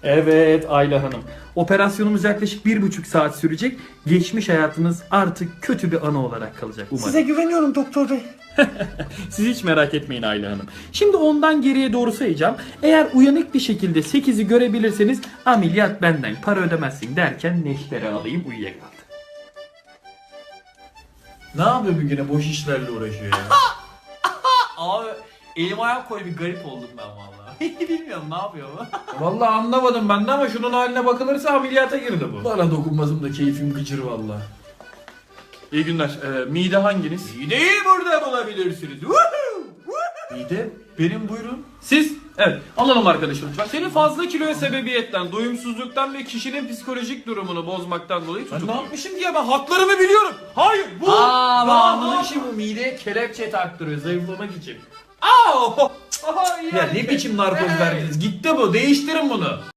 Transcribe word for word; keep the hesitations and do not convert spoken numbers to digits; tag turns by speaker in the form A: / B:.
A: Evet Ayla Hanım. Operasyonumuz yaklaşık bir buçuk saat sürecek. Geçmiş hayatınız artık kötü bir anı olarak kalacak umarım.
B: Size güveniyorum doktor bey.
A: Siz hiç merak etmeyin Ayla Hanım. Şimdi ondan geriye doğru sayacağım. Eğer uyanık bir şekilde sekizi görebilirseniz ameliyat benden, para ödemezsin derken neşteri alayım uyuyakaldı.
C: Ne yapıyor bir güne boş işlerle uğraşıyor ya?
D: Abi elim ayağım koy bir garip oldum ben vallahi. Bilmiyorum ne yapıyor bu.
C: Vallahi anlamadım ben de ama şunun haline bakılırsa ameliyata girdi bu. Bana dokunmasım da keyfim gıcır vallahi. İyi günler. Ee, mide hanginiz?
D: Mideyi burada bulabilirsiniz.
C: Mide. Benim buyurun.
A: Siz? Evet. Alalım arkadaşım lütfen.
D: Senin fazla kiloya sebebiyetten, doyumsuzluktan ve kişinin psikolojik durumunu bozmaktan dolayı
C: Ben
D: tutukluyum.
C: ne yapmışım diye ben haklarımı biliyorum. Hayır bu.
A: Aa,
C: Aa,
A: bağımlılık işi bu. Mideye kelepçe taktırıyor zayıflamak için.
C: Ya ne biçim narkoz verdiniz? Gitti bu. Değiştirin bunu.